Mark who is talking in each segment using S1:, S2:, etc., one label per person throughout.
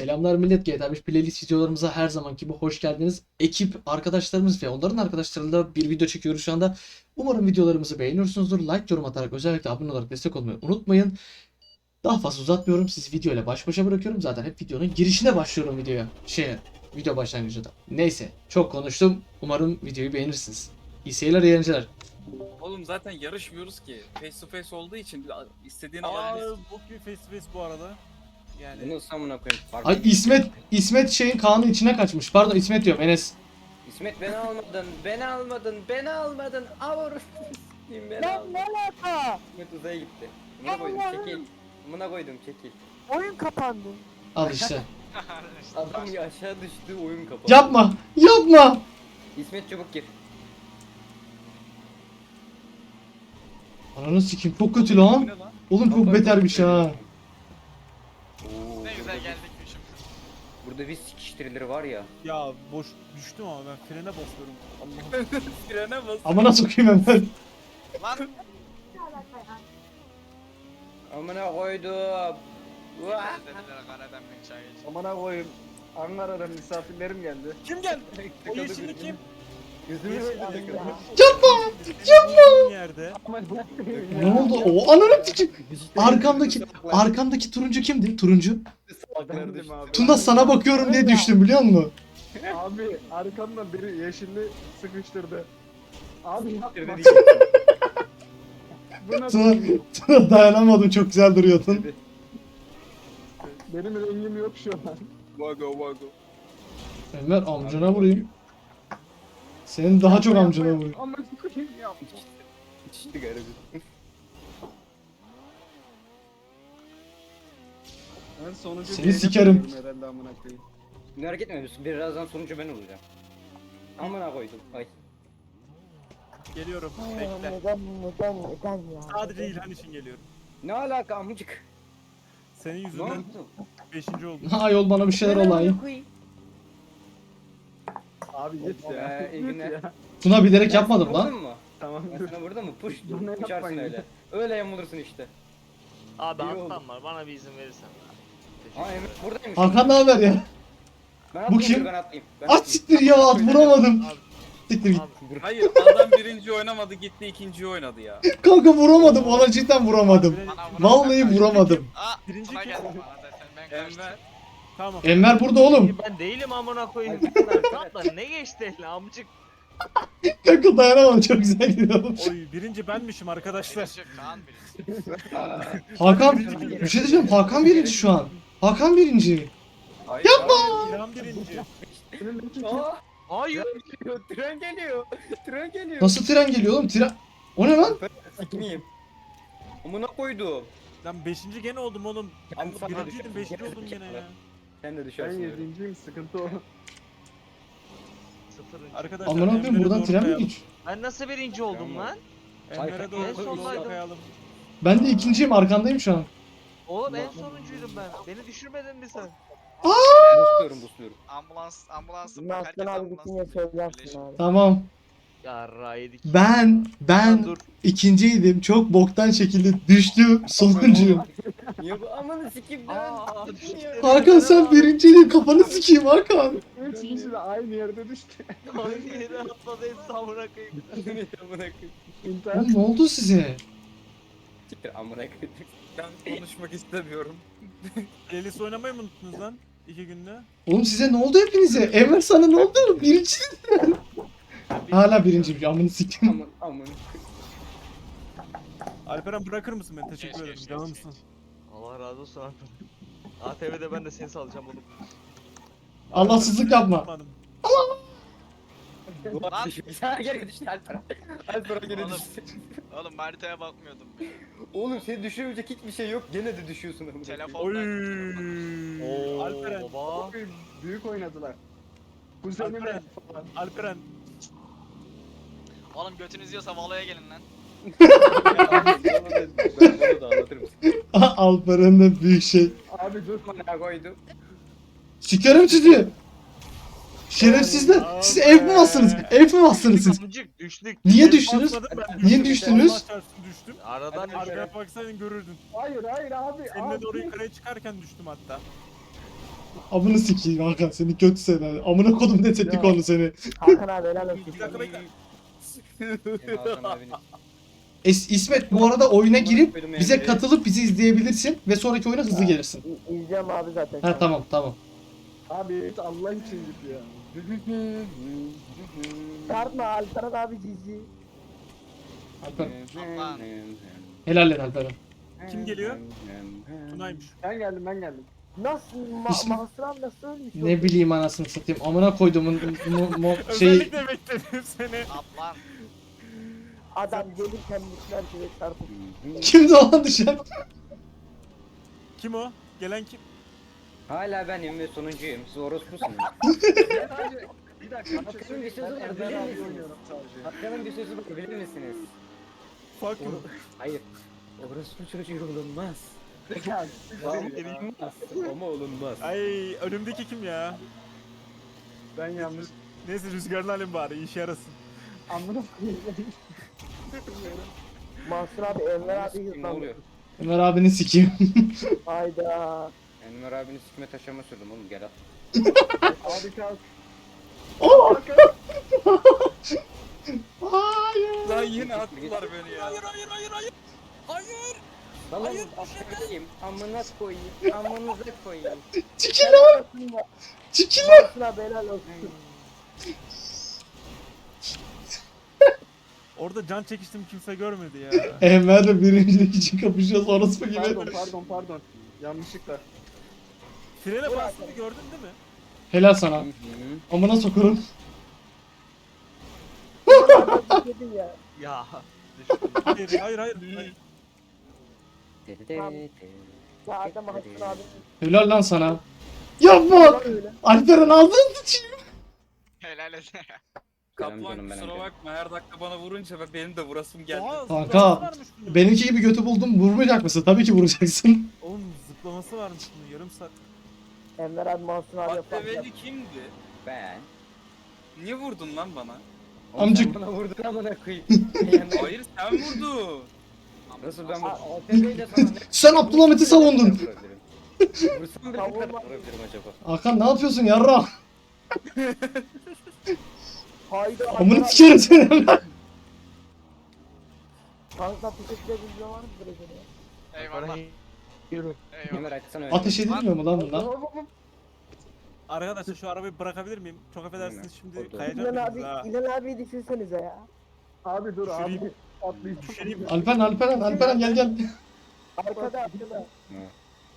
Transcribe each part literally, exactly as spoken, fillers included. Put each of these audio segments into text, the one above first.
S1: Selamlar millet, G T A beş playlist videolarımıza her zamanki gibi hoş geldiniz. Ekip, arkadaşlarımız ve onların arkadaşlarıyla bir video çekiyoruz şu anda. Umarım videolarımızı beğeniyorsunuzdur. Like, yorum atarak özellikle abone olarak destek olmayı unutmayın. Daha fazla uzatmıyorum. Sizi videoyla baş başa bırakıyorum. Zaten hep videonun girişine başlıyorum videoya. Şeye, video başlangıcında. Neyse, çok konuştum. Umarım videoyu beğenirsiniz. İyi seyirler, iyi eğlenceler.
S2: Oğlum zaten yarışmıyoruz ki. Face to face olduğu için istediğini
S3: Aa,
S2: alabilirsin.
S3: bok gibi face to face bu arada. Yani
S4: Bunu samına koyayım. Fark
S1: Ay İsmet, İsmet şeyin Kaan'ın içine kaçmış. Pardon İsmet diyorum, Enes.
S4: İsmet beni almadın, beni almadın, beni almadın. Avur. beni
S5: Lan
S4: almadın.
S5: ne alaka?
S4: İsmet uzaya gitti. Buna koydum, çekil. Buna koydum, çekil.
S5: Oyun kapandı.
S1: Al işte.
S4: Adam ya aşağı düştü, oyun kapadı.
S1: Yapma, yapma.
S4: İsmet çabuk gir.
S1: Ananı sikeyim, çok kötü lan.
S2: Bu ne lan?
S1: Oğlum çok betermiş ha.
S4: Oo,
S6: Ne güzel
S4: burada-
S6: geldik şimdi.
S4: Burada bir sikiştirileri var ya.
S3: ya boş düştüm ama ben frene basıyorum. Allah'ım.
S2: Frene bas.
S1: Amına sokayım hemen.
S6: Lan
S4: Amına koydum. Vah!
S6: dediler Karadem bir çay iç.
S7: Amına koyayım. Ankara'dan misafirlerim geldi.
S3: Kim geldi? O yeşilli kim?
S4: Gözümü
S3: Yeşilli kim?
S1: Yapma.
S3: Yapma. Yerde.
S1: Ne oldu? O ananı sikeyim. Arkamdaki arkamdaki turuncu kimdi? Turuncu.
S7: Bendim abi.
S1: Tuna sana bakıyorum diye düştüm biliyor musun?
S7: Abi arkamdan biri yeşilli sıkıştırdı. Abi yapma. Bu nasıl?
S1: Tuna, Tuna dayanamadım, çok güzel duruyordun.
S7: Benim rengim yok şu an.
S2: Vago vago.
S1: Enver amcana vurayım. Senin daha çok amcana vurayım.
S7: Ama koyayım yapma.
S4: İçti garibi.
S7: Ben sonuncu
S1: Seni
S7: diyelim
S1: sikerim.
S7: diyorum herhalde amına koyayım.
S4: Merak etme, birazdan sonucu ben olacağım. Amına koydum. Ay.
S3: Geliyorum.
S5: Aa,
S3: Bekle.
S5: Neden neden neden ya?
S3: Sadece İlhan için geliyorum.
S4: Ne alaka amcık?
S3: Senin
S4: Ne
S3: yüzünden
S4: oldu?
S3: beşinci oldum.
S1: Ha yol bana bir şeyler olay.
S7: Abi git ya.
S4: Ee, iyi
S7: Git
S4: günler.
S7: ya.
S1: Tuna bilerek
S4: Ben
S1: yapmadım
S4: sana
S1: lan.
S4: vurdum mu?
S7: Tamam
S4: Ben
S7: dur.
S4: sana vurdum mu? Push.
S7: Bana
S4: Uçarsın
S7: yapmayın.
S4: öyle. Öyle yamulursun işte.
S6: Abi
S4: İyi oldu.
S6: alttan var bana bir izin verirsen.
S4: Aa Emre buradaymış.
S1: Hakan ne haber ya?
S4: Ben
S1: Bu
S4: atlayayım,
S1: kim?
S4: dur, Ben atlayayım. Ben
S1: At
S4: atlayayım.
S1: siktir ya, at vuramadım. Siktir git.
S6: Abi
S2: Hayır adam birinci oynamadı gitti ikinciyi oynadı ya.
S1: Kanka vuramadım, ona cidden vuramadım.
S6: bana vuran
S1: Vallahi
S6: sen-
S1: vuramadım.
S6: Aa
S3: Birinci
S6: Tuna
S3: kim?
S6: geldi bana zaten ben kaçtım.
S2: Enver.
S3: Tamam.
S1: Enver burada oğlum.
S8: Ben değilim amına koyayım. Tatla ne geçti eline amcık.
S1: Kanka dayanamadım, çok güzel gidiyorum.
S3: Oy birinci benmişim arkadaşlar.
S6: Birisi Kaan birisi.
S1: Hakan, bir şey diyeceğim, Hakan birinci şu an. Hakan birinci.
S2: Yapma.
S3: İlhan birinci.
S4: Aa,
S8: Hayır.
S4: geliyor, tren geliyor. Tren geliyor.
S1: Nasıl tren geliyor oğlum? Tren... O ne lan?
S4: Sikmeyeyim. Amına koydum.
S3: Lan beşinci gene oldum oğlum.
S4: Ben sana
S3: Birinciydim
S4: düşüyorum.
S3: beşinci
S4: Gene
S3: oldum
S4: de
S3: gene ya.
S4: Sen de
S7: Ben
S4: düşersin öyle.
S7: yedinciyim, sıkıntı o.
S8: Sıfırıncı.
S3: Arkadaşlar
S1: Amına koyayım,
S3: Emre'ye
S1: buradan
S3: doğru
S1: tren mi
S3: kayalım.
S1: geç?
S8: Ben nasıl birinci oldum
S4: Tamam.
S8: lan?
S3: Emre'ye
S4: En
S3: doğru
S8: sondaydım.
S3: kayalım.
S1: Ben de ikinciyim, arkandayım şu an.
S8: Oğlum en sonuncuydum ben. Beni düşürmedin mi sen?
S4: Busluyorum busluyorum.
S6: Ambulans ambulansım
S5: Bunu
S6: bak herkes
S5: Aslan abi
S6: ambulans.
S5: bitince söylersin
S6: Birleşin.
S5: abi.
S1: Tamam.
S8: Ya yedik.
S1: Ben, ben
S8: Dur.
S1: ikinciydim. Çok boktan şekilde düştüm. Sonuncuyum.
S4: Niye bu amanı sikeyim dön.
S8: Aa,
S4: Sikeyim
S8: düştü.
S4: ya.
S1: Hakan sen birinciydin. Kafanı sikeyim Hakan.
S7: Üç kişi de aynı yerde düştü.
S8: Aynı yere atladı hepsi amına koyayım.
S4: Amına koyayım.
S7: İnternet.
S1: Oğlum ne oldu size?
S4: Siktir amına koyayım.
S2: Ben konuşmak istemiyorum.
S3: Playlist oynamayı mı unuttunuz lan? İki günde.
S1: Oğlum size ne oldu hepinize? Enver sana ne oldu? Birinci. Hala birinci. Amını siktim.
S4: Aman aman.
S3: Alperen bırakır mısın beni? Teşekkür
S6: Geç,
S3: ederim.
S6: geç, geç,
S3: Canımsın.
S8: Allah razı olsun abi. A T V'de ben de seni salacağım oğlum.
S1: Allahsızlık yapma.
S3: Yapmadım.
S6: Lan.
S4: Sen geri düştü Alper. Alper geri
S6: Oğlum.
S4: düştü.
S6: Oğlum haritaya bakmıyordum.
S4: Oğlum seni düşürmeyecek hiçbir şey yok. Gene de düşüyorsun amına koyayım.
S3: Oy.
S6: Telefondan.
S8: Oo
S3: Alperen.
S8: baba.
S7: Büyük oynadılar. Kuzenimle
S3: Alperen. Alperen.
S6: Oğlum götünüz yiyorsa Valo'ya gelin lan.
S4: Ben bunu da anlatırım.
S1: Alper'in de büyük şey.
S7: abi dur.
S4: Amına koydum.
S1: Sikerim sizi. Şerefsizler. Siz ev mi bastınız? Ev mi bastınız siz?
S8: Amcık düştük.
S1: Niye düştünüz?
S3: Basmadım, ben
S1: Niye
S3: düştüm.
S1: düştünüz?
S3: Allah çarpsın düştüm.
S8: Aradan
S4: Hadi
S8: düştük.
S3: Arkaya baksaydın görürdün.
S7: Hayır hayır abi.
S3: Seninle
S7: abi.
S3: doğru yukarıya çıkarken düştüm hatta.
S1: Amını sikeyim Hakan seni kötü seni. Amına kodum ne tepki
S7: Ya.
S1: konu seni.
S5: Hakan abi helal olsun.
S3: Bir dakika bekle.
S4: Benim Hakan abiniz.
S1: Es İsmet bu arada oyuna girip
S4: Koydum
S1: bize
S4: Emre'yi.
S1: katılıp bizi izleyebilirsin ve sonraki oyuna hızlı gelirsin.
S5: İ- İzleyeceğim abi zaten.
S1: Ha tamam tamam.
S7: Abi Allah için git ya.
S5: Çarpma Alperen abi cici.
S1: Alper,
S6: Aman.
S1: helal et Alperen.
S3: Kim geliyor? Tunay'mış.
S7: Ben geldim ben geldim.
S5: Nasıl? Ma
S1: İsmi-
S5: Mahsur abi nasıl ölmüş?
S1: Ne bileyim anasını satayım. Amına koyduğumun mu- mu- şey
S3: Özellikle bekledim seni.
S6: Atlan.
S5: Adam gelirken mutlar gibi çarpıp.
S1: kimdi o lan düşen?
S3: Kim o? Gelen kim?
S4: Hala benim ve sonuncuyum. Siz orospusunuz.
S7: Ben sadece bir dakika bir şey
S4: Hakkı'nın bir
S7: söyleyeyim.
S4: sözü
S7: Ben
S4: var,
S7: Ender
S4: bilir
S7: abi
S4: misiniz?
S7: oynuyorum sadece.
S4: Hakkı'nın bir sözü var bilir misiniz?
S3: Fuck you.
S4: Hayır. Orospu çocuğu olunmaz.
S7: Ya,
S4: Olunmaz. Ama olunmaz.
S3: Ay önümdeki kim ya?
S7: ben yalnız
S3: Neyse rüzgarını alayım bari işe yarasın.
S7: amına koyayım.
S5: Mahsur abi Enver abi
S4: Ne
S5: hızlandı.
S4: oluyor?
S1: Ömer abini sikeyim.
S5: Hayda.
S4: Enver abinin sikme taşıma sürdüm oğlum gel at.
S7: Abi kalk.
S1: Oh! Hayır.
S2: Lan yine attılar beni ya.
S3: Hayır hayır hayır hayır. Hayır.
S4: Lan atlayayım. Amına koyayım. Amınıza koyayım.
S1: Çekil lan. Çekil lan.
S5: Mahsur abi helal olsun.
S3: Orada can çekiştim kimse görmedi ya.
S1: Enver'le birincilik için kapışıyoruz orospu gibi.
S7: Pardon pardon pardon. Yanlışlıkla.
S3: Frene bastığını gördün değil mi?
S1: Helal sana. Amına sokarım.
S5: Dedin ya.
S8: Ya.
S3: Hayır hayır hayır. hayır.
S5: Ya adam Mahsur abi.
S1: Helal lan sana. Yapma.
S5: Öyle.
S1: Alperen aldın sıçayım.
S6: Helal et.
S4: Canım
S2: Kaplan
S4: canım benim
S2: kusura
S4: canım.
S2: bakma her dakika bana vurunca ben- benim de vurasım geldi.
S3: Oha,
S1: Kanka,
S3: zıplaması varmış bunun.
S1: Benimki gibi götü buldum vurmayacak mısın? Tabii ki vuracaksın.
S3: Oğlum zıplaması varmış bunun yarım saat.
S5: Enver abi Mahsur abi yapar.
S2: Maddeveli kimdi?
S4: Ben.
S2: Niye vurdun lan bana?
S4: Oğlum
S1: Amcık.
S4: sen bana vurdun amına koyayım.
S2: Hayır sen vurdun.
S4: Nasıl ben A T V ile sana ne?
S1: Sen Abdülhamit'i savundun.
S4: Vursam bile ne kadar vurabilirim acaba?
S1: Hakan ne yapıyorsun yarra?
S5: Hayda.
S1: Amını sikerim seni.
S5: Kanka teşekkür ederim var mıdır acaba?
S6: Eyvallah.
S8: Yürü.
S6: Eyvallah.
S4: Ömer açsana öyle.
S1: Ateş edilmiyor mu lan bunlar?
S3: Arkadaşlar şu arabayı bırakabilir miyim? Çok affedersiniz şimdi
S4: Orada.
S3: kayacağım
S5: İlan
S3: biriniz
S5: abi,
S3: ha.
S5: İlan abi düşünsenize ya.
S7: Abi dur abi.
S3: Düşüreyim.
S7: Atlayayım.
S3: Düşüreyim.
S1: Alperen Alperen Alperen gel gel.
S5: Arkada arkada.
S4: Ne?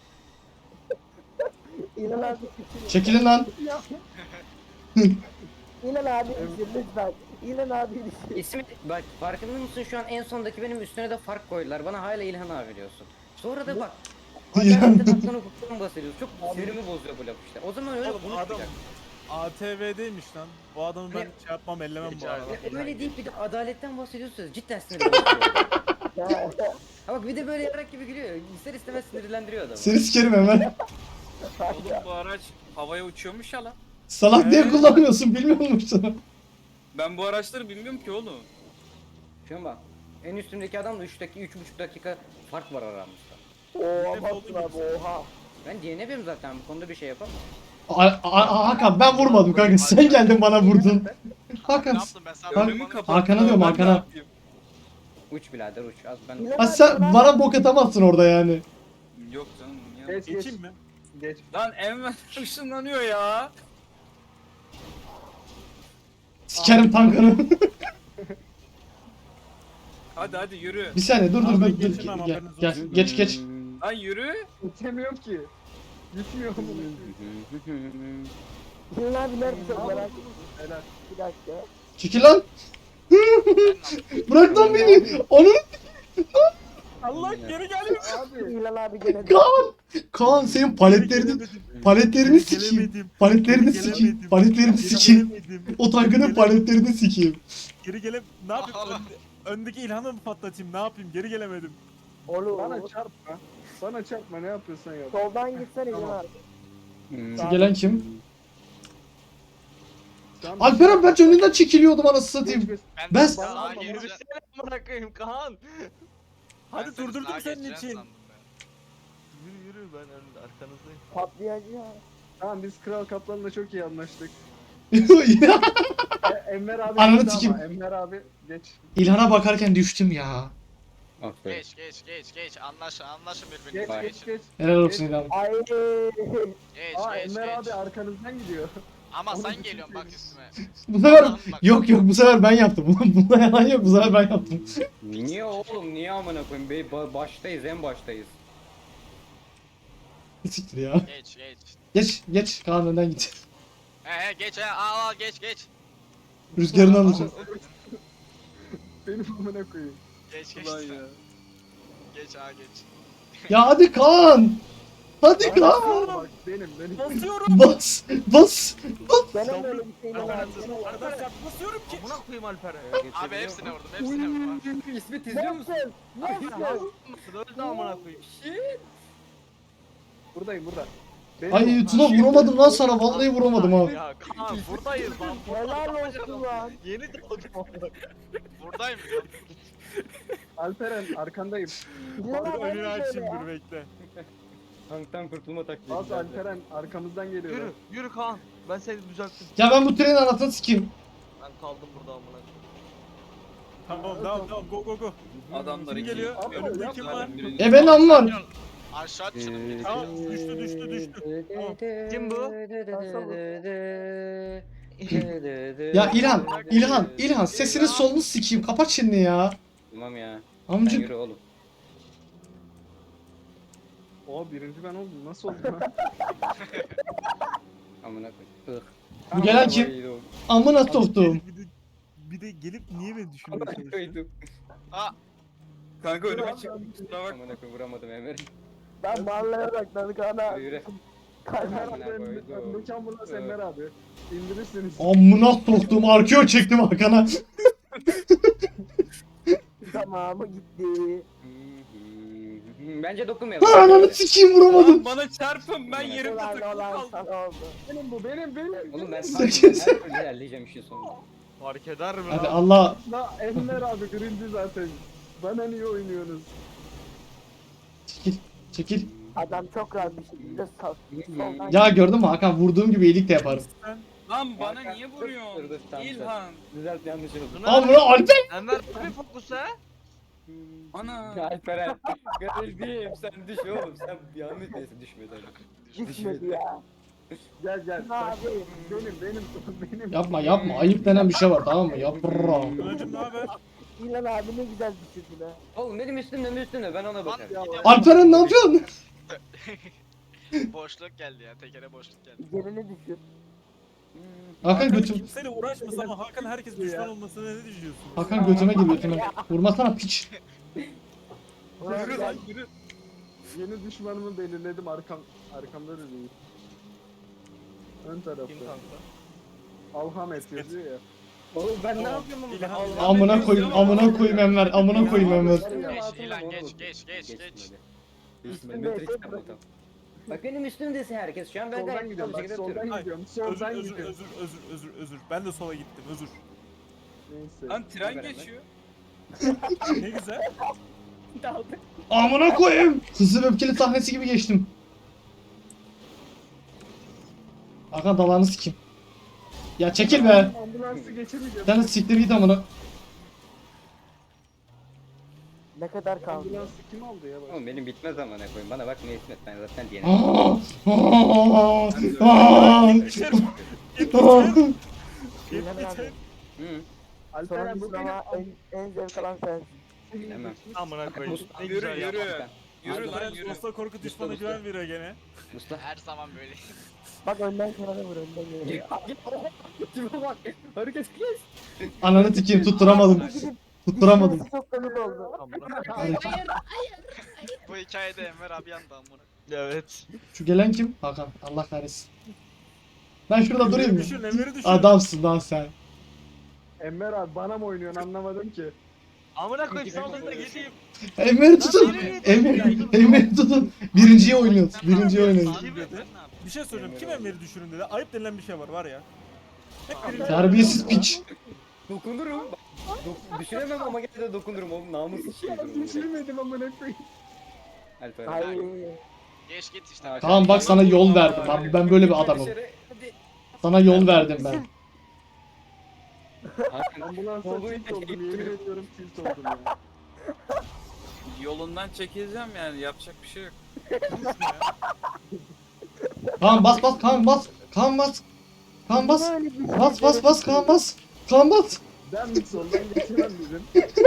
S5: İlan abi düşün.
S1: Çekilin lan.
S5: İlan abi düşün lütfen. İlan abi düşün.
S4: İsmi bak farkında mısın şu an en sondaki benim üstüne de fark koydular. Bana hala İlhan abi diyorsun. Sonra da bak.
S1: İlhan.
S4: Adaletten hakkını hukuktan bahsediyoruz. Çok sinirimi bozuyor bu laf işte. O zaman öyle
S3: Oğlum,
S4: bunu
S3: adam-
S4: yapacak.
S3: A T V'deymiş lan. Bu adamı ben
S4: Ne?
S3: şey yapmam ellemem bu
S8: Rica
S3: arada.
S8: ederim.
S4: Ya öyle deyip bir de adaletten bahsediyorsunuz. Cidden sinirimi bozuyor.
S5: Ya,
S4: Ha bak bir de böyle yarak gibi gülüyor. İster istemez sinirlendiriyor adamı.
S1: Seni sikerim hemen.
S2: Oğlum bu araç havaya uçuyormuş ya lan.
S1: Salak diye
S3: Ee?
S1: kullanmıyorsun bilmiyor musun?
S2: Ben bu araçları bilmiyorum ki oğlum.
S4: Şu an bak. En üstümdeki adamla üç dakika, üç buçuk dakika fark var aramızda.
S5: oha Mahsur abi oha.
S4: Ben D N B'yim zaten bu konuda bir şey yapamam.
S1: A- A- Hakan ben vurmadım kanka sen geldin bana vurdun.
S6: Ne
S1: Hakan.
S6: yaptım ben sana?
S1: Hakan-
S2: Önümü kapattı.
S1: Hakan'a diyorum,
S2: ben ne
S1: Hakan'a.
S2: yapayım?
S4: Uç birader uç. Az ben
S5: İlan
S1: Ha
S5: abi,
S1: sen
S5: İlan
S1: bana bok atamazsın orada yani.
S2: Yok canım. Ya.
S7: Geç geç.
S3: Geçeyim mi?
S7: Geç.
S2: Lan Enver ışınlanıyor ya.
S1: Sikerim tankını.
S2: Hadi hadi yürü.
S1: Bir saniye dur dur
S3: Abi
S1: dur.
S3: ben
S1: dur.
S3: geçemem,
S1: Gel,
S3: haberiniz
S1: gel,
S3: olsun.
S1: geç geç.
S2: Lan yürü.
S7: Geçemiyorum ki. Gitmiyor mu?
S5: İlan abi neredesin merak ettim.
S7: Helal.
S5: Bir dakika.
S1: Çekil lan. Bırak lan beni. Onun
S3: Allah geri geliyor.
S7: Abi.
S5: İlan abi gene de.
S1: Kaan. Kaan senin paletlerini paletlerini sikeyim.
S3: Gelemedim.
S1: Paletlerini
S3: Geri
S1: sikeyim.
S3: gelemedim.
S1: Paletlerini
S3: Geri
S1: sikeyim.
S3: gelemedim.
S1: O tankının
S3: Geri
S1: paletlerini sikeyim.
S3: Geri gelem. Ne yapayım?
S6: Allah.
S3: Önde- öndeki İlhan'ı mı patlatayım? Ne yapayım? Geri gelemedim.
S5: Oğlum.
S7: Bana çarpma. Bana çarpma ne yapıyorsan yap.
S5: Soldan gitsene İlan
S7: Tamam.
S5: abi.
S1: Şu gelen kim?
S7: Şu an-
S1: Alperen ben önünden çekiliyordum anasını
S7: Geç,
S1: satayım.
S7: geç.
S1: Ben-
S6: de sağa
S7: Bana-
S6: gireceğim.
S8: Yürüsene amına koyayım Kaan.
S3: Hadi
S6: Ben seni
S3: durdurdum
S6: sağa
S3: senin
S6: geçeceğim
S3: için.
S6: sandım ben.
S8: Yürü yürü ben önünde arkanızdayım.
S5: Patlayacı ya.
S7: Tamam biz Kral Kaplan'la çok iyi anlaştık.
S1: Ya,
S7: E, Enver abi
S1: Ananı
S7: gitti
S1: sikeyim.
S7: ama Enver abi geç.
S1: İlhan'a bakarken düştüm ya.
S4: Aferin.
S6: Geç geç geç geç. Anlaşın anlaşın
S7: Geç
S6: birbirinize.
S7: geç
S6: Geçin.
S7: geç.
S1: Helal olsun İlhan.
S5: Ay.
S6: Geç
S7: Aa
S6: geç
S7: Enver
S6: geç.
S7: abi arkanızdan gidiyor.
S6: Ama
S7: Onu
S6: sen
S7: düşünsene.
S6: geliyorsun bak üstüme.
S1: Bu sefer
S6: Allah'ım bak.
S1: yok yok bu sefer ben yaptım. Bunda yalan yok bu sefer ben yaptım.
S4: Niye oğlum niye amına koyayım? Be ba- baştayız en baştayız.
S1: Siktir ya.
S6: Geç geç.
S1: Geç geç Kaan önden git.
S6: He he geç he. Aa aa, geç geç.
S1: Rüzgarını alacağım.
S7: Benim amına koyayım.
S6: Geç geç.
S7: Ulan ya.
S6: Geç ha geç.
S1: Ya hadi Kaan. Hadi Kaan.
S7: Bak benim benim.
S3: Basıyorum.
S1: Bas bas.
S5: Benim öyle bir şeyim var.
S3: Arkadaşlar basıyorum ki.
S8: Amına koyayım Alper'e.
S6: Abi hepsine vurdum hepsine vurdum. abi.
S4: İsmet izliyor musun?
S8: Öldü amına koyayım.
S7: Buradayım burada. Benim
S1: Ay Tuna vuramadım lan sana vallahi vuramadım ha.
S8: Ya Kaan buradayız lan.
S5: Helal olsun lan.
S8: Yeni doğdum amına.
S6: Buradayım.
S7: Alperen arkandayım.
S5: İlhan abi
S3: Önünü
S5: öyle
S3: açayım
S5: ya.
S3: dur bekle.
S4: Tanktan kurtulma taktiği.
S7: Az
S4: güzeldi.
S7: Alperen arkamızdan geliyor.
S8: Yürü yürü Kaan. Ben seni düzelttim.
S1: Ya ben bu trenin anasını sikeyim.
S8: Ben kaldım burada amına koyayım.
S3: Tamam tamam tamam go go go.
S2: Adamlar
S3: Kim
S2: iki.
S3: geliyor?
S7: Abi,
S3: Önümde
S7: yapma
S3: kim
S7: lan.
S3: var?
S1: E ben am var.
S6: Aşağı düşün.
S3: Tamam düştü düştü düştü.
S8: Kim bu?
S1: Ya İlhan, İlhan, İlhan sesini solunu sikeyim. Kapat şimdi ya.
S4: Tamam ya. Sen
S1: Amcık.
S4: yürü oğlum.
S7: O birinci ben oldum. Nasıl oldu lan?
S4: Amına koyayım.
S1: Bu gelen kim? Amına soktum.
S3: Bir de, bir de gelip niye beni düşünmeye çalışıyor?
S4: Koydum.
S6: Aa
S2: Kanka önüme
S7: Dur,
S2: çık.
S7: abi.
S2: Kusura bak.
S4: Amına koyayım vuramadım Emre.
S5: Ben mahalleye bakladık ana.
S4: Yürü yürü.
S7: Enver
S4: Amına
S7: abi
S4: koydum.
S7: öndeki ambulans Enver abi. İndirirsiniz.
S1: Amına soktum. Arkeo çektim arkana.
S5: Tamamı gitti.
S4: Bence dokunmayalım.
S1: Ananı sikeyim vuramadım.
S2: Lan bana çarpın ben yerimde
S5: Ulan
S2: takılı
S5: olan
S2: kaldım.
S5: sana oldu.
S7: Benim bu benim benim.
S4: Oğlum ben
S1: Sekiz.
S4: her türlü ilerleyeceğim işin sonunda.
S8: Fark eder mi
S1: Hadi
S8: lan?
S1: Allah.
S7: La Enver abi birinci zaten. Bana niye oynuyorsunuz?
S1: Çekil. Çekil.
S5: Adam çok rahat bir şekilde sal. soldan
S1: Ya gördün mü Hakan vurduğum gibi iyilik de yaparım.
S2: Lan bana
S4: Hakan,
S2: niye
S4: dur,
S2: vuruyorsun?
S4: dur, dur, tamam,
S2: İlhan.
S4: Düzelt yanlış oldu.
S8: Tuna,
S1: Amına Alper.
S8: Enver tabii fokus ha.
S2: Ana.
S4: Alperen. Kardeşim sen düş oğlum. Sen bir an neyse düşme tabii.
S5: düşmedi ya.
S7: Gel gel.
S5: Ne
S7: Bak,
S5: abi?
S7: benim benim benim.
S1: Yapma yapma. Ayıp denen bir şey var tamam mı? Yapma.
S3: Önacım ne haber?
S5: İlhan abi ne güzel düşürdün ha.
S4: Oğlum benim üstümde mi üstümde ben ona
S6: Lan
S4: bakarım.
S7: Ya,
S6: gidiyorum.
S1: Alperen ne yapıyorsun?
S6: Boşluk geldi ya. Tekere boşluk geldi.
S5: Gerini düşür.
S1: Hakan
S3: Hakan
S1: götüm.
S3: kimseyle uğraşmasa ama Hakan herkes düşman olmasına ne düşünüyorsun?
S1: Hakan götüme gir götüme. Vurmasana piç.
S5: Ulan
S2: Yürü
S5: gel.
S2: lan yürü.
S7: Yeni düşmanımı belirledim arkam arkamda da değil. Ön tarafta.
S8: Kim kanka?
S7: Alhamet yazıyor ya.
S4: Oğlum ben ne yapıyorum oğlum?
S3: İlhan-
S4: Allah
S1: Amına koyayım, amına koyayım Enver, amına koyayım Enver.
S6: Geç İlan geç geç geç geç.
S5: Üstünde
S4: Matrix
S5: eşek
S4: tamam. Bak benim üstümdesin herkes şu an ben
S7: Soldan
S4: gayet
S7: gidiyorum
S4: güzel bir
S7: bak
S4: şekilde
S7: soldan
S4: atıyorum.
S3: Ay,
S7: gidiyorum.
S3: Özür
S7: Soldan
S3: özür
S7: gidiyorum.
S3: özür özür özür özür. Ben de sola gittim özür.
S7: Neyse.
S2: Lan tren
S4: Beraber.
S2: geçiyor.
S3: Ne güzel.
S4: Daldık.
S1: Amına koyayım. Hızlı ve öfkeli sahnesi gibi geçtim. Hakan dalağını sikeyim. Ya çekil be.
S7: Ambulansı geçemeyeceğim.
S1: Sen de siktir git amına.
S5: Ne kadar kaldı?
S7: Ambulansı kim aldı ya bak.
S4: Oğlum benim bitmez ama ne koyayım bana bak ne İsmet ben zaten diyelim.
S1: Aa, aa, aa,
S3: Geçerim.
S1: aa.
S5: İlhan abi.
S4: Hı.
S7: Alperen bu
S5: Sonuncusu ama en, en zevk alan sensin.
S4: Hemen.
S8: Amına koyayım. Ne
S2: Yürü,
S8: güzel
S2: yürü.
S8: yaptın.
S2: Yürü lan
S3: Alperen
S2: yürü.
S3: Dosta korku düşmana
S4: Dosta,
S3: güven veriyor gene.
S4: Mustafa.
S6: Her zaman böyle.
S5: Bak önden kenara vur önden geliyor.
S4: Tipe bak. Hareket kes.
S1: Ananı sikeyim tutturamadım. Tutturamadım.
S5: Çok komik oldu.
S8: Amına
S1: Hadi.
S6: Bu hikayede Enver abi yandı amına.
S8: Evet.
S1: Şu gelen kim? Hakan. Allah kahretsin. Ben şurada durayım mı?
S3: Düşün Emre'yi düşün.
S1: Adamsın lan sen.
S7: Enver abi bana mı oynuyorsun anlamadım ki.
S8: Amına koyayım sana da gideyim.
S1: Emre'yi tutun. Emre, Emre'yi tutun. Birinciye oynuyoruz. Birinciye oynuyoruz.
S6: Abi, sen ne yapıyorsun?
S3: Bir şey söyleyeyim. Kim Emre'yi düşürün dedi. Ayıp denilen bir şey var var ya. Hep birinci.
S1: Terbiyesiz piç.
S4: Dokunurum. Dok düşüremem ama gene de dokunurum oğlum namussuz şey.
S7: Düşürmedim amına koyayım.
S4: Alper.
S5: Ay.
S6: Geç git işte.
S4: Aa,
S1: Kaan bak sana yol verdim. Ben, ben böyle bir adamım.
S4: Dışarı, hadi.
S1: Sana yol verdim ben.
S4: Hakan,
S7: Ambulansa
S4: Tolga'yı
S7: tilt oldum yemin ediyorum tilt oldum ya.
S2: Yolundan çekileceğim yani yapacak bir şey yok.
S1: Kaan bas bas Kaan bas. Kaan bas. Kaan bas.
S5: Böyle bir şey
S1: Bas bas bas Kaan bas. Kaan bas.
S7: Ben mi soldan geçemem dedim.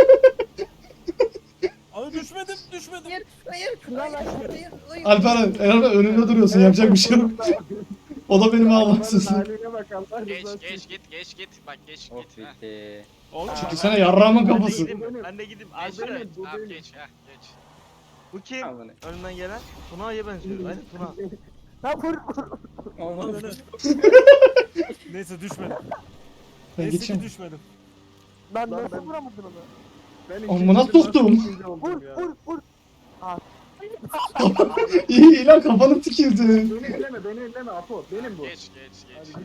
S3: Abi düşmedim düşmedim.
S4: Hayır, hayır, hayır, hayır, hayır.
S1: Alperen, Alperen önünde duruyorsun. Yapacak bir şey yok. O da benim
S7: Arabanın
S1: ağlaksızım.
S7: haline bak Allah
S6: Geç
S7: rızası
S6: geç
S7: için.
S6: git geç git. Bak geç
S4: Oh
S6: git. Heh.
S4: bitti.
S3: Oğlum
S1: Çünkü sana yarrağımın
S8: Ben de
S1: kafası.
S8: gideyim mi? Ben de gideyim.
S6: Geç
S8: Alperen.
S6: git.
S7: bu
S6: Tamam
S7: benim.
S6: geç. Heh geç.
S8: Bu kim?
S4: Al bunu.
S8: Önünden gelen. Tuna'ya benziyor. Hadi Tuna.
S5: Lan vur vur.
S4: Olmadı.
S3: neyse düşmedim.
S1: Ben
S3: Neyse ki
S1: geçeyim.
S3: düşmedim.
S5: Lan
S7: Lan
S5: nasıl
S7: ben-
S5: vuramadın onu?
S7: Ben
S1: Amına
S7: ikinci de
S1: soktum.
S7: nasıl ikinci oldum
S5: Vur
S7: ya.
S5: vur vur.
S1: İyi ilan kafanı tikildi.
S7: Beni elleme beni elleme Apo benim bu.
S6: Geç geç
S7: Hadi
S6: geç.
S7: git.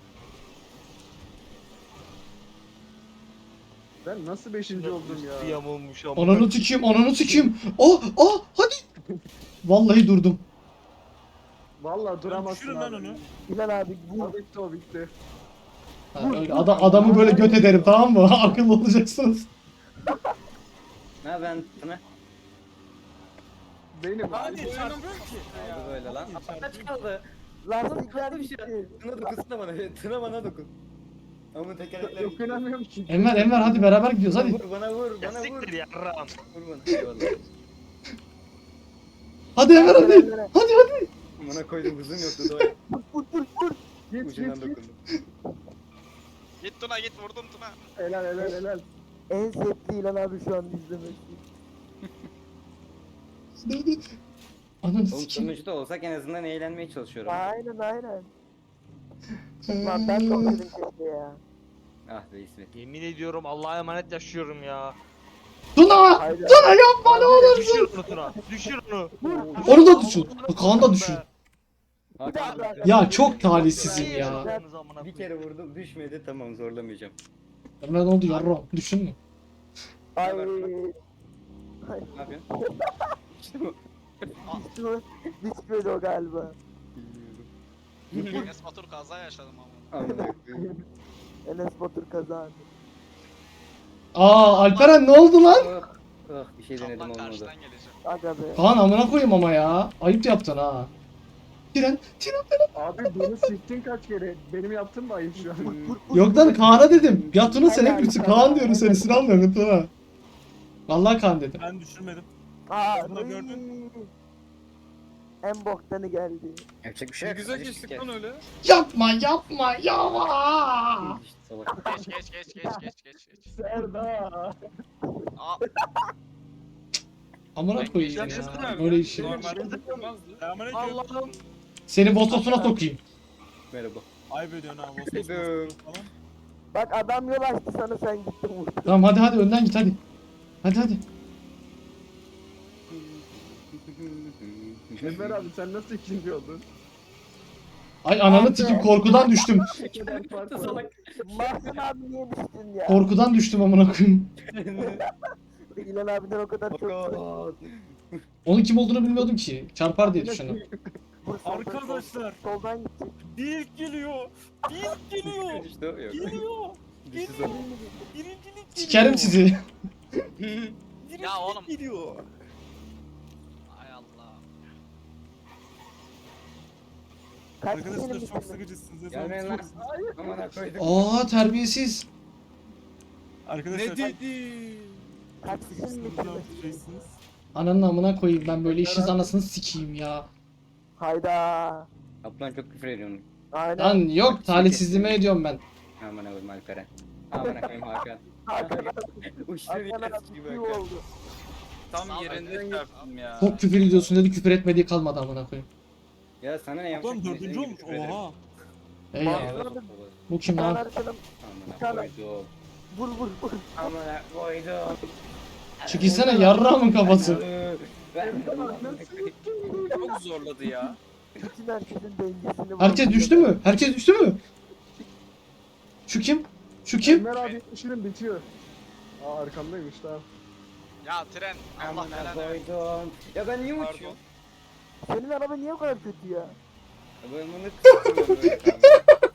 S7: Ben nasıl beşinci oldum
S8: Bir
S7: ya?
S8: yamulmuş ama.
S1: Ananı tikeyim, ananı tikeyim. Oh, oh, hadi. Vallahi durdum.
S7: Vallahi duramazsın
S3: düşürün lan
S7: abi.
S3: onu.
S5: Bilal abi vur.
S7: O bitti o bitti.
S1: Ha, öyle ada- adamı böyle göt ederim, tamam mı? Akıllı olacaksınız.
S4: Ne ben sana
S7: Benim.
S3: Hadi
S7: abi.
S3: çarpıyorum ki.
S4: aldı böyle lan.
S3: Hadi
S4: Kaç
S3: çarpıyorum.
S4: kaldı?
S5: Lastikler
S4: Kaldı bir şey.
S5: gitti.
S4: Tına dokunsana bana. Tına bana dokun. Ama tekerlekler gitti.
S7: Dokunamıyorum ki.
S1: Enver, Enver hadi beraber gidiyoruz hadi.
S4: Vur bana vur
S8: Ya
S4: bana vur.
S8: siktir ya ram.
S4: Vur bana. Eyvallah.
S1: Hadi Enver hadi. Hadi hadi.
S4: Bana koydum hızım yoktu doğru.
S5: Vur vur vur.
S7: Git
S4: Ucundan
S7: git git.
S4: dokundum.
S6: Git Tuna git vurdum Tuna.
S7: Helal helal helal.
S5: En sevdiği İlhan abi şu an izlemek.
S1: Ananı
S4: Oğlum
S1: sikeyim.
S4: sonuçta olsak en azından eğlenmeye çalışıyorum.
S5: Aynen aynen. Lan ben de oynadım keşke ya.
S4: Ah be İsmet.
S8: Yemin ediyorum Allah'a emanet yaşıyorum ya.
S1: Tuna!
S5: Haydi.
S1: Tuna yapma ne olursun.
S8: Düşür onu Tuna. Düşür onu.
S1: Onu da düşün. Kaan da düşün.
S4: Hakan,
S1: Ya çok talihsizim ya.
S4: bir kere vurdum düşmedi tamam zorlamayacağım.
S1: Enver ne oldu yarram? Düşün mü?
S5: Ay.
S4: Ne yapıyorsun? İşte bu.
S5: Düştü. Düşmedi o galiba.
S4: Bilmiyorum.
S6: Enes Batur kaza yaşadım ama.
S4: Amına koyayım.
S5: Enes Batur kazandı.
S1: Aa Alperen ne oldu lan?
S4: Oh, oh bir şey denedim
S6: Kaplan
S4: olmadı.
S6: karşıdan gelecek.
S5: Aga be.
S1: Kaan amına koyayım ama ya. Ayıp yaptın ha. Tren, tren.
S7: Abi beni siktin kaç kere. Benim yaptığım mı ayıp şu an?
S1: Yok lan Kaan'a dedim. Ya Tuna sen hep üstü Kaan diyorum seni sinirlenmiyorum Tuna. Vallahi Kaan dedim.
S3: Ben düşürmedim.
S5: Aa,
S3: Bunu gördün.
S5: ıy. En boktanı geldi.
S4: Yapacak bir şey
S2: Ne
S4: yok.
S2: güzel
S4: hadi
S2: geçtik
S4: gel.
S2: lan öyle.
S1: Yapma yapma yapma.
S4: İşte salak.
S6: Geç geç geç geç geç geç geç.
S7: Serda.
S6: Aa
S1: Amına
S2: Ben
S1: koyayım
S2: geçtim
S1: ya.
S2: abi.
S1: Böyle işi.
S2: Normalde yapamazdı.
S3: Selamünaleyküm.
S8: Allah'ım.
S1: Seni Vostos'una sokayım.
S4: Merhaba.
S3: Ayıp ediyorsun ha. Vosvos
S4: Duydum.
S3: Vosvos falan.
S5: Bak adam yol açtı sana sen gittin vurdun.
S1: Tamam hadi hadi önden git hadi. Hadi hadi.
S7: Enver abi sen nasıl ikinci oldun?
S1: Ay ananı tikim korkudan düştüm.
S7: Ne kadar fark var.
S4: Salak.
S5: Mahsun abi niye düştün ya?
S1: Korkudan düştüm amına koyayım.
S5: İlhan abiden o kadar çok
S4: Fakat.
S1: Onun kim olduğunu bilmiyordum ki. Çarpar diye düşündüm.
S5: vur soldan,
S3: Arkadaşlar.
S5: sol- Soldan gidecek.
S3: Bir ilk geliyor. Bir ilk geliyor.
S4: İşte o yok.
S3: Geliyor.
S4: Düştü sonra.
S3: Birincilik geliyor.
S1: Sikerim sizi.
S3: Birincilik
S6: Ya oğlum.
S3: geliyor.
S6: ay Allah.
S5: Kaç
S3: Arkadaşlar
S5: kişinin
S3: çok
S5: bitirdi?
S3: sıkıcısınız.
S4: Gelmeyin lan. Amına koydum.
S1: Aa terbiyesiz.
S3: Arkadaşlar
S2: Ne dedi?
S5: Kaç kişinin
S3: sıkıcısınız.
S5: bitirdi?
S3: Şeysiniz.
S1: Ananın amına koyayım ben böyle işiniz anasını sikeyim ya.
S5: Hayda.
S4: Kaplan çok küfür ediyorsun.
S5: Aynen.
S1: Lan yok talihsizliğime ediyorum ben.
S4: Amına koyayım Alperen. Amına koyayım Hakan.
S5: Hakan
S4: Uçtu bir
S5: Hakan
S4: yere
S5: abi
S4: gibi
S5: iyi
S4: Hakan.
S5: oldu.
S2: Tam
S6: Sağ ol,
S2: yerinde
S6: ben-
S2: çarptım ya.
S1: Çok küfür ediyorsun dedi küfür etmediği kalmadı amına koyayım.
S4: Ya sana ne yapacak?
S3: Ulan dördüncü olmuş. Oha.
S1: Ey ya. Bu kim
S5: Hakan
S1: lan?
S5: arkadaşım
S4: Amına koydum.
S5: vur vur vur.
S4: Amına koydum.
S1: Çekilsene yarrağımın kafası.
S4: Ben
S2: Çok zorladı ya.
S5: Bütün herkesin dengesini
S1: Herkes düştü mü? Herkes düştü mü? Şu kim? Şu kim?
S7: Enver abi işinin bitiyor. Aa arkamdaymış tamam.
S6: Ya tren Allah
S4: Amına
S6: belanı versin.
S4: koydum. Ya ben niye
S2: Pardon.
S4: uçuyorum?
S5: Senin araba niye o kadar kötü ya?
S4: Ben bunu kısıtlıyorum böyle kaldı.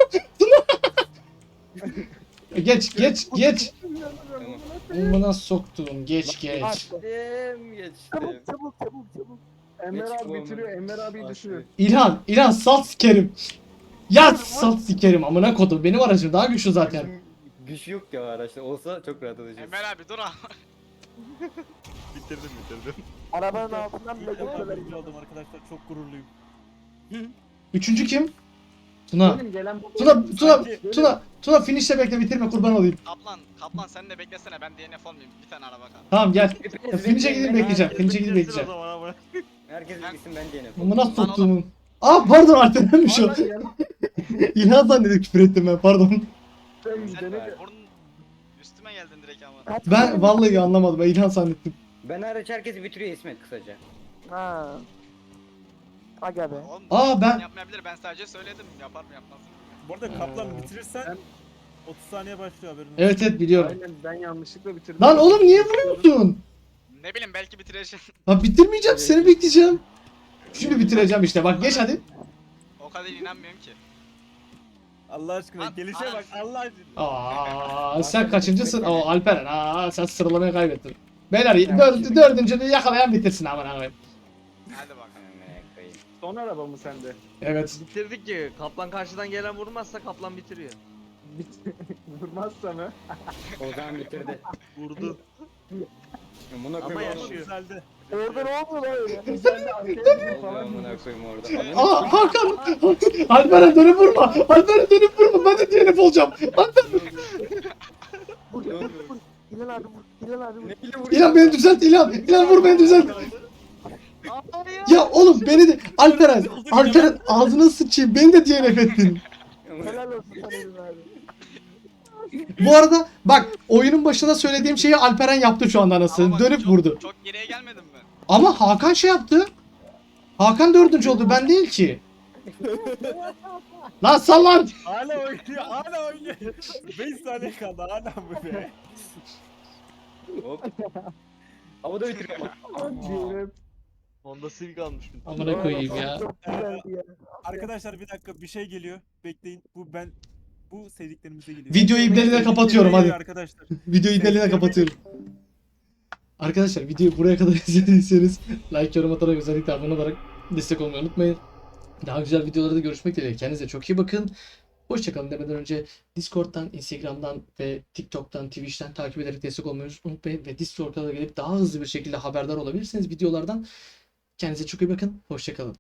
S1: Geç geç geç.
S4: Tamam.
S1: Amına soktuğum geç geç.
S5: Attı.
S4: Geçtim geçtim.
S5: Çabuk çabuk çabuk çabuk.
S7: Enver
S4: Geç
S7: abi
S4: bu
S7: bitiriyor.
S4: amına.
S7: Enver abi
S4: Bak,
S7: düşürüyor.
S1: İlhan İlhan salt sikerim. Ya salt sikerim amına kodum. Benim aracım daha güçlü zaten.
S4: Gücüm- Güç yok ya araçta. Olsa çok rahat olacak.
S6: Enver abi dur ha.
S8: Bitirdim bitirdim.
S5: Arabanın altından bile
S3: İlk defa
S5: geçiyorlar.
S3: birinci oldum arkadaşlar. Çok gururluyum.
S1: Üçüncü kim? Tuna.
S7: Benim gelen bu.
S1: Tuna Tuna
S3: Sanki-
S1: Tuna Tuna finish'te bekle bitirme kurban olayım.
S6: Kaplan, Kaplan sen de beklesene ben D N F olmayayım. Bir tane araba kal.
S1: Tamam gel.
S4: Hepiniz
S1: Finish'e
S4: bekleyin,
S1: gidip
S4: ben-
S1: bekleyeceğim. Finish'e gidip
S8: Bitirsin o
S1: bekleyeceğim.
S8: zaman ama.
S4: Herkes
S6: Ben-
S4: bilsin ben diyelim.
S1: Amına
S6: Lan
S1: soktuğumun. Aa pardon Alperen'miş o.
S7: Aa, yan-
S1: İlhan zannedip küfür ettim ben pardon.
S7: Sen
S6: Sen
S7: dene de-
S6: burnun üstüme geldin direkt ama.
S5: Kaç
S1: Ben
S5: kere-
S1: vallahi anlamadım. Ben İlhan zannettim.
S4: Ben hariç herkesi bitiriyor İsmet kısaca.
S5: Ha. Aga be.
S6: Oğlum,
S1: Aa, ben-
S6: yapmayabilir ben sadece söyledim. Yapar mı yapmaz mı?
S3: Bu arada kaplan
S1: Ee,
S3: bitirirsen
S7: ben-
S3: otuz saniye başlıyor haberin olsun.
S1: Evet evet biliyorum.
S7: Aynen ben yanlışlıkla bitirdim.
S1: Lan oğlum niye vuruyorsun?
S6: Ne bileyim belki bitireceğim.
S1: Lan bitirmeyeceğim seni bekleyeceğim. Şimdi bitireceğim işte bak geç hadi.
S6: O kadar inanmıyorum ki.
S3: Allah aşkına
S6: Lan,
S3: gelişe bak Allah aşkına.
S1: Aa sen kaçıncısın? Oo Alperen. Aa sen sıralamayı kaybettin. Beyler dördü, dördüncünü yakalayan bitirsin aman aman.
S6: Hadi bakalım.
S4: Amına koyayım.
S7: Son araba mı sende?
S1: Evet.
S8: Bitirdik ki. Kaplan karşıdan gelen vurmazsa kaplan bitiriyor.
S7: Bit Vurmazsa mı?
S4: O zaman bitirdi.
S8: Vurdu.
S4: Amına
S8: Ama
S4: koyayım.
S3: Ama
S8: yaşıyor.
S3: güzeldi.
S5: Orada ne oluyor lan öyle?
S7: Sen de arkaya
S4: Oldu
S7: gidip falan.
S4: amına koyayım orada.
S1: Aa Hakan. Alperen dönüp vurma. Alperen dönüp vurma. Ben de D N F olacağım. Alperen.
S5: Vur vur vur. İlan abi vur. İlan abi vur.
S4: Neyle vuruyor?
S1: İlhan beni düzelt İlhan. İlhan vur beni düzelt. Ya oğlum beni de Alperen. Alperen ağzına sıçayım. Beni de D N F ettin.
S5: Helal olsun sana İlan abi.
S1: Bu arada bak oyunun başında söylediğim şeyi Alperen yaptı şu anda
S6: Ama
S1: anasını.
S6: bak,
S1: Dönüp
S6: çok-
S1: vurdu.
S6: Çok geriye gelmedim mi?
S1: Ama Hakan şey yaptı. Hakan dördüncü oldu ben değil ki. Lan sal lan.
S3: Hala oynuyor, hala oynuyor. beş saniye kaldı hala bu be.
S4: Hop. Havada bitiriyor ama.
S7: Diyelim.
S8: Honda Civic almış bir.
S1: Amına koyayım ya.
S5: Çok güzeldi ya.
S3: Arkadaşlar bir dakika bir şey geliyor. Bekleyin. Bu ben bu sevdiklerimize geliyor.
S1: Videoyu ibneline kapatıyorum hadi.
S3: Arkadaşlar.
S1: Videoyu ibneline kapatıyorum. Arkadaşlar videoyu buraya kadar izlediyseniz like, yorum atarak özellikle abone olarak destek olmayı unutmayın. Daha güzel videolarda görüşmek dileğiyle. Kendinize çok iyi bakın. Hoşçakalın demeden önce Discord'dan, Instagram'dan ve TikTok'tan, Twitch'ten takip ederek destek olmayı unutmayın. Ve Discord'a da gelip daha hızlı bir şekilde haberdar olabilirsiniz videolardan. Kendinize çok iyi bakın. Hoşçakalın.